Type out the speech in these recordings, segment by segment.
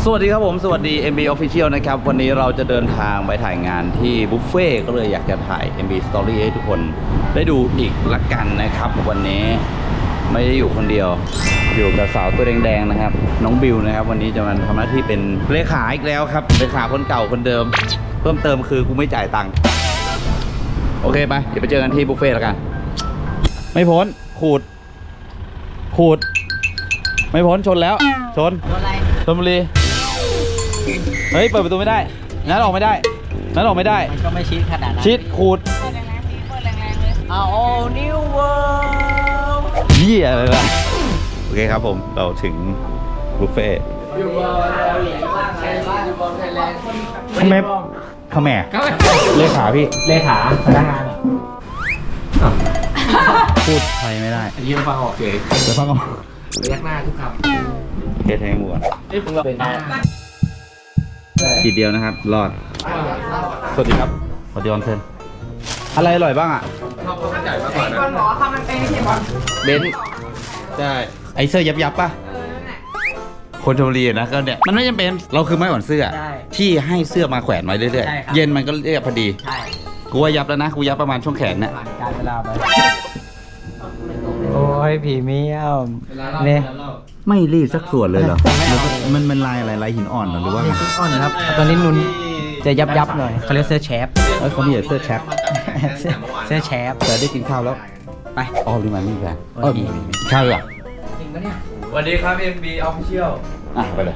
สวัสดีครับผมสวัสดี MB Official นะครับวันนี้เราจะเดินทางไปถ่ายงานที่บุฟเฟ่ก็เลยอยากจะถ่าย MB Story ให้ทุกคนได้ดูอีกละกันนะครับวันนี้ไม่ได้อยู่คนเดียวอยู่กับสาวตัวแดงๆนะครับน้องบิวนะครับวันนี้จะมาทำหน้าที่เป็นเลขาอีกแล้วครับเลขาคนเก่าคนเดิมเพิ่มเติมคือกูไม่จ่ายตังค์โอเคไปเดี๋ยวไปเจอกันที่บุฟเฟ่ละกันไม่พ้นขูดไม่พ้นชนแล้วชนชลบุรีเฮ้ยเปิดประตูไม่ได้นั้นออกไม่ได้มันก็ไม่ชิดขนาดนั้นชิดขูดเปิดแรงๆดีเปิดแรงๆเลยAll New World เหี้ยอะไรล่ะโอเคครับผมเราถึงบุฟเฟ่ทำไมขแม่เลขาพี่เลขาพนักงานพูดไทยไม่ได้ยืนฟังออกเฉยเดี๋ยวฟังออกเรียกหน้าทุกคำเทสให้หมดเป็นขีดเดียวนะครับรอดสวัสดีครับสวัสดีออนเซนอะไรอร่อยบ้างอ่ะข้าวมันไก่มากกว่านะหมอข้าวมันเป็นที่บอลเบนใช่ไอเสื้อยับป่ะคนชลบุรีนะก็เนี่ยมันไม่จำเป็นเราคือไม้อ่อนเสื้อที่ให้เสื้อมาแขวนไว้เรื่อยๆเย็นมันก็เรียบพอดีกูว่ายับแล้วนะกูยับประมาณช่วงแขนเนี่ยการเวลาไปโอ้ยผีเมียวเนี่ยไม่รีดสักส่วนเลยเหรอมันลายอะไรลายหินอ่อนหรือว่าหินอ่อนครับตอนนี้นุ่นจะยับหน่อยเขาเรียกเสื้อแชปเขามีเสื้อแชปเสื้อแชปแต่ได้กินข้าวแล้วไปอ๋อลืมมานี่กันข้าวเหรอจริงปะเนี่ยสวัสดีครับ MB Official ไปเลย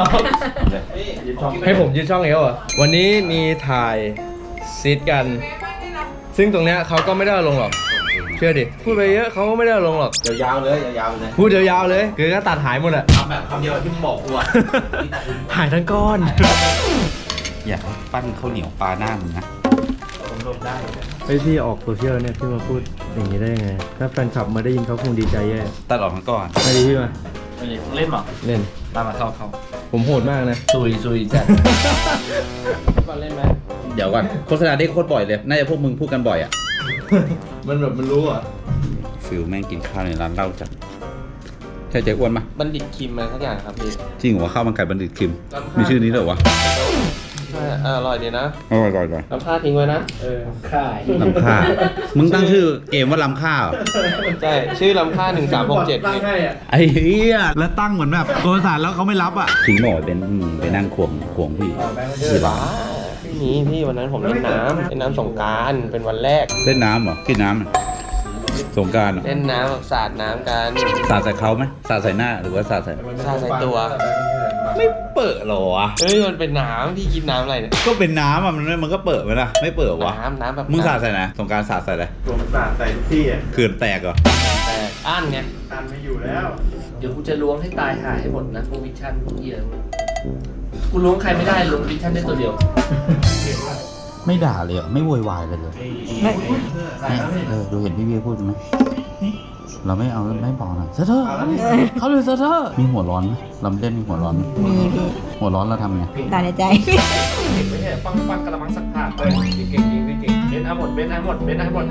ให้ผมยืนช่องเอวอ่ะวันนี้มีถ่ายซีดกันซึ่งตรงเนี้ยเขาก็ไม่ได้ลงหรอกเชื่อดิพูดไปเยอะเขาก็ไม่ได้ลงหรอกยาวเลยพูดยาวๆเลยคือก็ตัดหายหมดอ่ะทำแบบคำเดียวที่มึงบอกกูอ่ะหายทั้งก้อนอยากปั้นข้าวเหนียวปลาหน้ามึงนะผมลบได้ไอพี่ออกโซเชียลเนี่ยพี่มาพูดอย่างนี้ได้ยังไงถ้าแฟนคลับมาได้ยินเขาคงดีใจแย่ตัดออกมาก่อนไม่ดีพี่มาเล่นหรอเล่นมาเข้าผมโหดมากนะซุยจ้ะก่อนเล่นไหมเดี๋ยวก่อนโฆษณาได้โคตรบ่อยเลยน่าจะพวกมึงพูดกันบ่อยอ่ะมันแบบมันรู้อ่ะฟิลแม่งกินข้าวในร้านเหล้าจัดใช่เจ๊อ้วนปะบัณฑิตคิมอะไรสักอย่างครับพี่จริงเหรอข้าวมันไก่บัณฑิตคิมมีชื่อนี้เหรอวะใช่อร่อยดีนะอร่อยน้ำข้าทิ้งไว้นะข้าลำข้ามึงตั้งชื่อเกมว่าลำข้าเหรอใช่ชื่อลำข้า1367 ไอ้เหี้ยแล้วตั้งเหมือนแบบโทรศัพท์แล้วเขาไม่รับอ่ะทิ้งหมดเป็นไปนั่งควงพี่คือบ้าพี่วันนั้นผมเล่นน้ำสงกรานต์เป็นวันแรกเล่นน้ำเหรอกินน้ำสงกรานต์เล่นน้ำสาดน้ำกันสาดใส่เขาไหมสาดใส่หน้าหรือว่าสาดใส่ตัวไม่เปิดหรอวะเฮ้ยมันเป็นน้ำพี่กินน้ำอะไรเนี่ยก็เป็นน้ำอ่ะมันก็เปิดไหมล่ะไม่เปิดวะน้ำแบบมึงสาดใส่ไหนสงกรานต์สาดใส่อะไรผมสาดใส่ทุกที่อ่ะเขื่อนแตกเหรอแตกอั้นไงอั้นไม่อยู่แล้วเดี๋ยวกูจะล้วงให้ตายหายให้หมดนะพวกวิชั่นพวกเหี้ยกูล้วงใครไม่ได้ล้วงวิชั่นได้ตัวเดียวไม่ด่าเลยไม่โวยวายเลยดูเห็นพี่พูดไหมเราไม่เอาไม่บอกหน่อยเซอร์เขาเลยเซอร์มีหัวร้อนไหมเราเล่นมีหัวร้อนมีพี่หัวร้อนเราทำไงตาในใจไม่ใช่ปังกระมังสักผ้าเก่งเล่นหมดได้หมด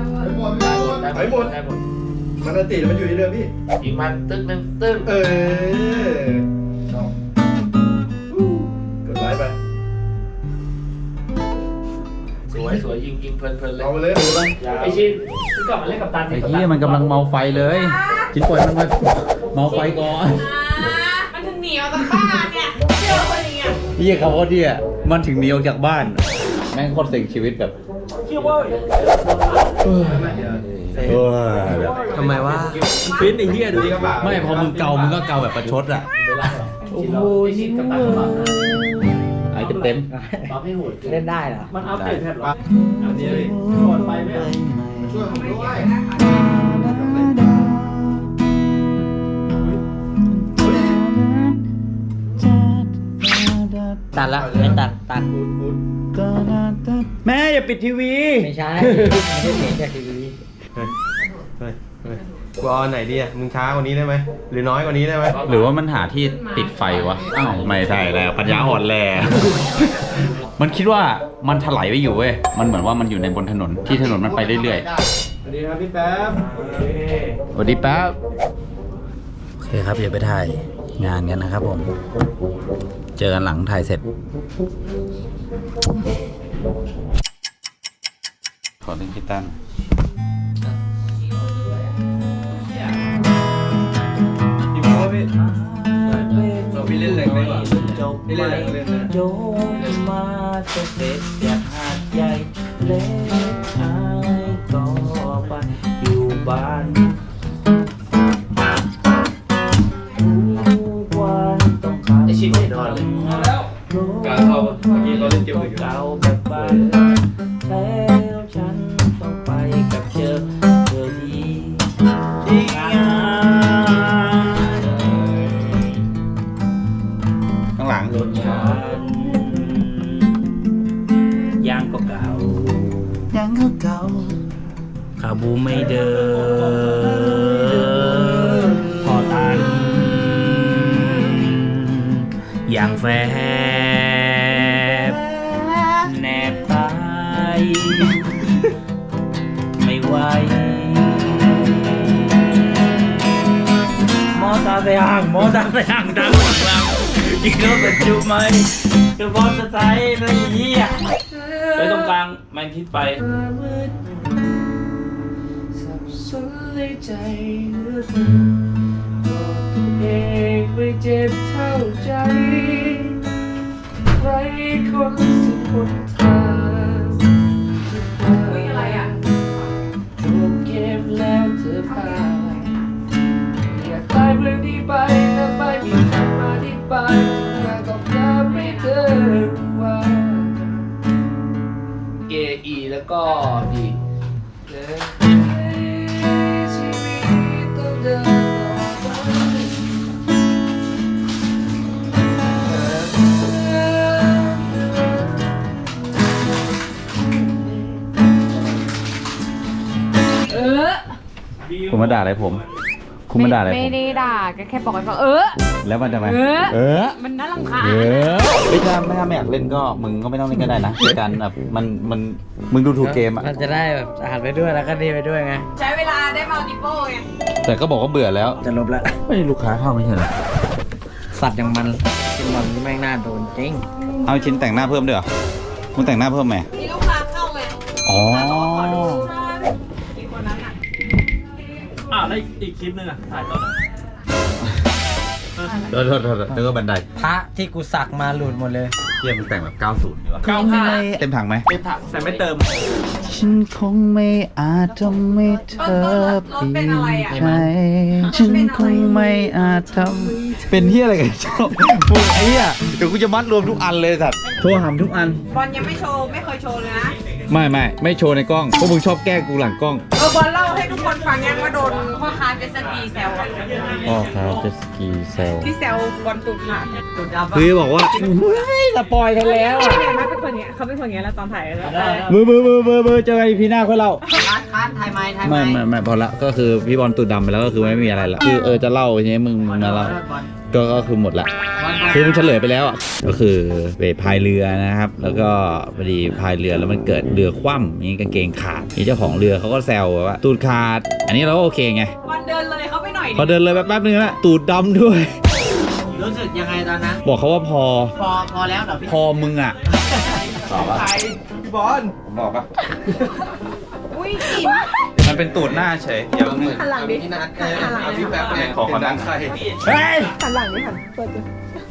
มันติมันอยู่ที่เดิมพี่ยิงมันตึ้งกดไลค์ไปสวยยิงเพลินเลยเอาไปเลยไอชินกลับมาเล่นกับตันไอ้ที่มันกำลังเมาไฟเลยชิ้นปล่อยมันมาเมาไฟก่อนมันถึงเหนียวจากบ้านเนี่ยเชื่อคนนี้พี่เขาก็ที่มันถึงหนีออกจากบ้านแม่งโคตรเสี่ยงชีวิตแบบเชื่อว่าทำไมวะฟินไอ้เหี้ยดูดิไม่พอมึงเกามึงก็เกาแบบประชดอ่ะโอ้โหชินกับตันไอ้เต็มเล่นได้เหรอมันอัปเดตแพทหรออันนี้ก่อนไปไหมช่วยผมด้วยตัดละไม่ตัดแม่อย่าปิดทีวีไม่ใช่ไม่ได้เสียงจากทีวีกูเอาไหนดีอ่ะมึงช้ากว่านี้ได้ไหมหรือน้อยกว่านี้ได้ไหมหรือว่ามันหาที่ติดไฟวะอ้าวไม่ใช่แล้วปัญญาอ่อนแลมันคิดว่ามันถลายไปอยู่เว้ยมันเหมือนว่ามันอยู่ในบนถนนที่ถนนมันไปเรื่อยๆสวัสดีครับพี่แป๊บสวัสดีแป๊บโอเคครับเดี๋ยวไปถ่ายงานกันนะครับผม เจอกันหลังถ่ายเสร็จ ขอเล่นกีตาร์เราพี่เล่นแรงเลยว่ะพี่เล่นแรงเลยนะโยนมาจะเด็ดอยากหาดใหญ่เล็กอายก็ไปอยู่บ้านทุกวันต้องขับไอชิ้นไม่นอนเลยการเข้าเมื่อกี้เขาเล่นเกมอื่นอยู่เก่าแบบบ้านแล้วฉันต้องไปกับเธอดีที่งานข้างหลังรถฉันยางก็เก่ายังเก่าขาบูไม่เดินพอตันอย่างแฟบแนบตายไม่ไหวมอตาไปห่างดังหลังอีกแล้วเป็นจุไหมคือบอสจะใช้ไม่เหี้ยไปตรงกลางมันคิดไปสับสนเลยใจเหลือเกินบอกตัวเองไม่เจ็บเท่าใจใครคนสิบนทางอุ๊ยอะไรอ่ะจบเก็บแล้วเธอพาอยากตายเพื่อนี้ไปแต่ไม่มีคำอธิบายอยากต้องการให้เธอว่าเกอีแล้วก็ดีชีวิตต้องเดินต่อไปคุณมาด่าอะไรผม คุณมาด่าอะไรผมไม่ได้ด่าแค่บอกให้ฟังแล้วมันทำไมมันน่ารำคาญไม่ถ้าไม่อยากเล่นก็มึงก็ไม่ต้องเล่นก็ได้นะในการแบบมันมึงดูถูกเกมอ่ะมันจะได้แบบอ่านไปด้วยแล้วก็ดีไปด้วยไงใช้เวลาได้มัลติโป้ไงแต่ก็บอกว่าเบื่อแล้วจะลบแล้วไม่ลูกค้าเข้าไม่ใช่เหรอสัตว์อย่างมันกินมันแม่งน่าโดนจริงเอาชิ้นแต่งหน้าเพิ่มด้วยเหรอมึงแต่งหน้าเพิ่มไหมมีลูกค้าเข้าไงอ๋ออีกคนนั้นอ่ะแล้วอีกคลิปนึงอ่ะถ่ายตอนโทษแล้วก็บันไดพระที่กูสักมาหลุดหมดเลยเที่ยมึงแต่งแบบ 90ดีวะ 95 เต็มถังไหมเป็นผักแต่ไม่เติมฉันคงไม่อาจทำให้เธอรถเป็นอะไรอ่ะใจฉันคงไม่อาจทำเป็นที่อะไรกันชอบพูดไอ้เหี้ยเดี๋ยวกูจะมัดรวมทุกอันเลยสัตว์โทรหามทุกอันบอลยังไม่โชว์ ไม่เคยโชว์เลยนะไม่โชว์ในกล้องพวกมึงชอบแกล้งกูหลังกล้องบอลเล่าให้ทุกคนฟังยังว่าโดนพ่อค้าเจตสกีแซวอะพ่อครับเจสกีเซลที่แซวบอลตุดค่ะคือบอกว่าสปอยกันแล้วไม่เป็นเป็นคนเนี้ยเขาเป็นคนเนี้ยแล้วตอนถ่ายแล้วมือเจอกันพีหน้าค่อยเล่าถ่ายไม้ไม่พอละก็คือพี่บอลตูดดำไปแล้วก็คือไม่มีอะไรละคือจะเล่าทีนี้มึงมาเล่าก็คือหมดละคือมึงเฉลยไปแล้วอ่ะก็คือไปพายเรือนะครับ แล้วก็พอดีพายเรือแล้วมันเกิดเรือคว่ำนี่กางเกงขาดนี่เจ้าของเรือเขาก็แซวว่าตูดขาด อันนี้เราก็โอเคไงบอลเดินเลยเขาไปหน่อยพอเดินเลยแป๊บนึงละตูดดำด้วยรู้สึกยังไงตอนนั้นบอกเขาว่าพอพอแล้วเหรอพี่พอมึงอ่ะตอบปะบอลบอกปะอุ้ยจิ๋มมันเป็นตูดหน้าเฉยอย่ามึงหันหลังดิที่นัดหันหลังเอาพี่แบบเนี่ยขอขอนั่งใครเฮ้ยหันหลังดิหันเปิดดู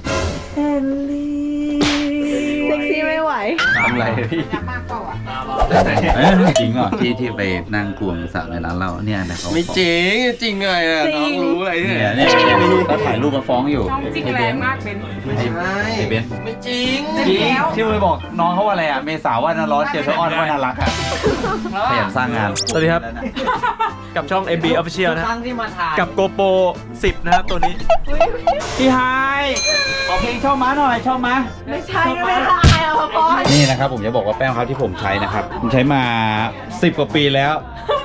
เซ็กซี่ไม่ไหวทำอะไรพี่จะมากเปล่าอ่ะจริงเหรอที่ไปนั่งกวงสระในร้านเราเนี่ยนะเขาไม่จริงจริงไงอ่ะน้องรู้อะไรเนี่ยเนี่ยเขาถ่ายรูปมาฟ้องอยู่น้องจริงแรงมากเป็นไม่ใช่ไอ้เบนซ์ไม่จริงจริงแล้วที่ไปบอกน้องเขาว่าอะไรอ่ะเมษาว่าน่าร้อนเจอเธออ้อนว่าน่ารักอ่ะขยันสร้างงานสวัสดีครับ กับช่อง MB Official นะครั้งที่มาถ่ายกับ GoPro 10 นะครับตัวนี้พี่ไฮขอเพลงชอบม้าหน่อยชอบม้าไม่ใช่ไม่ได้เอาพอนี่นะครับผมจะบอกว่าแป้งครับที่ผมใช้นะครับผมใช้มา10 กว่าปีแล้ว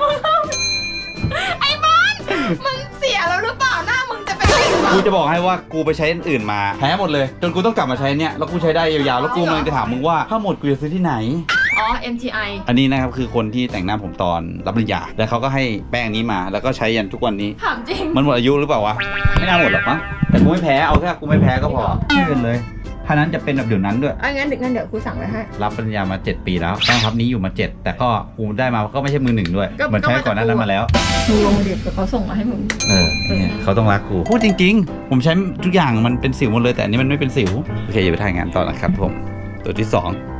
ไอ้บอลมึงเสียแล้วหรือเปล่าหน้ามึงจะเป็นอะไรหรือเปล่ากูจะบอกให้ว่ากูไปใช้อันอื่นมาแพ้หมดเลย จนกูต้องกลับมาใช้เนี่ยแล้วกูใช้ได้ยาวๆแล้วกูกำลังจะถามมึงว่าถ้าหมดกูจะซื้อที่ไหนอ๋อ MTI อันนี้นะครับคือคนที่แต่งหน้าผมตอนรับปริญญาแล้วเขาก็ให้แป้งนี้มาแล้วก็ใช้ยันทุกวันนี้ถามจริงมันหมดอายุหรือเปล่าวะไม่น่าหมดหรอกมั้งแต่กูไม่แพ้เอาแค่กูไม่แพ้ก็พอไม่เป็นเลยถ้านั้นจะเป็นแบบเดี๋ยวนั้นด้วยงั้นเดี๋ยวครูสั่งไว้ให้รับปริญญามา 7 ปีแล้วต้องทับนี้อยู่มา 7 แต่ก็กูได้มาก็ไม่ใช่มือหนึ่งด้วยก็เหมือนใช้ก่อนหน้านั้นมาแล้วมึงลงเด็กเขาส่งมาให้มึงเนี่ยเขาต้องรักกูพูดจริงๆ ผมใช้ทุกอย่างมันเป็นสิวหมดเลยแต่อันนี้มันไม่เป็นสิวโอเคอย่าไปถ่ายงานต่อนะครับผมตัวที่ 2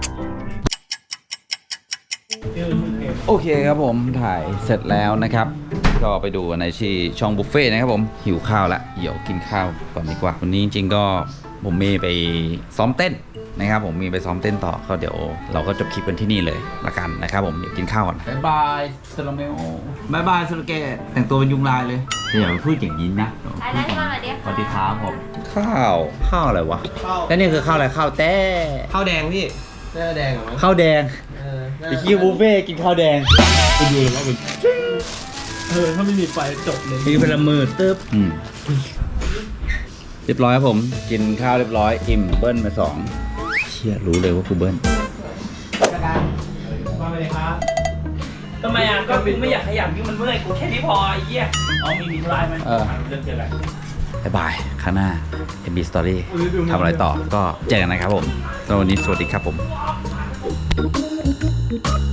โอเคครับผมถ่ายเสร็จแล้วนะครับ ก็ไปดูในที่ช่องบุฟเฟ่ต์นะครับผมหิวข้าวละเดี๋ยวกินข้าวก่อนดีกว่าวันนี้จริงๆก็ผมมีไปซ้อมเต้นนะครับผมมีไปซ้อมเต้นต่อก็เดี๋ยวเราก็จบคลิปกันที่นี่เลยละกันนะครับผมเดี๋ยวกินข้าวก่อนบายบายสโลเมโอบายบายสโลเกตแต่งตัวเป็นยุงลายเลยอย่าไปพูดอย่างนี้นะสวัสดีครับผมข้าวอะไรวะแล้วนี่คือข้าวอะไรข้าวแต้ข้าวแดงพี่เสื้อแดงเหรอมั้งข้าวแดงน่าไอ้ขี้บุฟเฟ่กินข้าวแดงถ้าไม่มีไฟจบเลยมีพลังมือตึ๊บเรียบร้อยครับผมกินข้าวเรียบร้อยอิ่มเบิ้ลมา2เชี่ยรู้เลยว่ากูเบิ้ลทำไมอ่ะก็ไม่อยากขยับยิ่งมันเมื่อยกูแค่นี้พอไอ้เหี้ยมีไลน์ไหมเรื่องเจออะไรบ๊ายบายข้างหน้า MB Story ทำอะไรต่อก็เจอกันนะครับผมสำหรับวันนี้สวัสดีครับผม